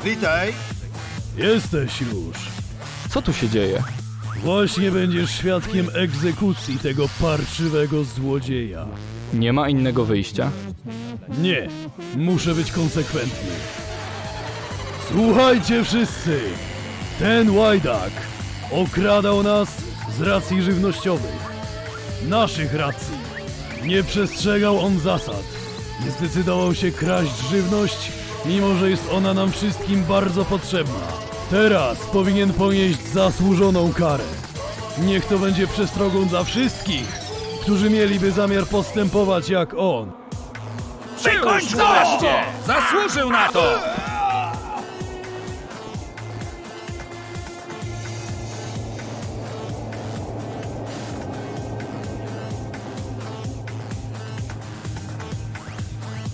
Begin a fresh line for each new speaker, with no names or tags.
Witaj.
Jesteś już.
Co tu się dzieje?
Właśnie będziesz świadkiem egzekucji tego parczywego złodzieja.
Nie ma innego wyjścia?
Nie, muszę być konsekwentny. Słuchajcie wszyscy! Ten łajdak okradał nas z racji żywnościowych. Naszych racji. Nie przestrzegał on zasad. Nie zdecydował się kraść żywność, mimo że jest ona nam wszystkim bardzo potrzebna. Teraz powinien ponieść zasłużoną karę. Niech to będzie przestrogą dla wszystkich, którzy mieliby zamiar postępować jak on.
Przykończ go wreszcie! Zasłużył na to!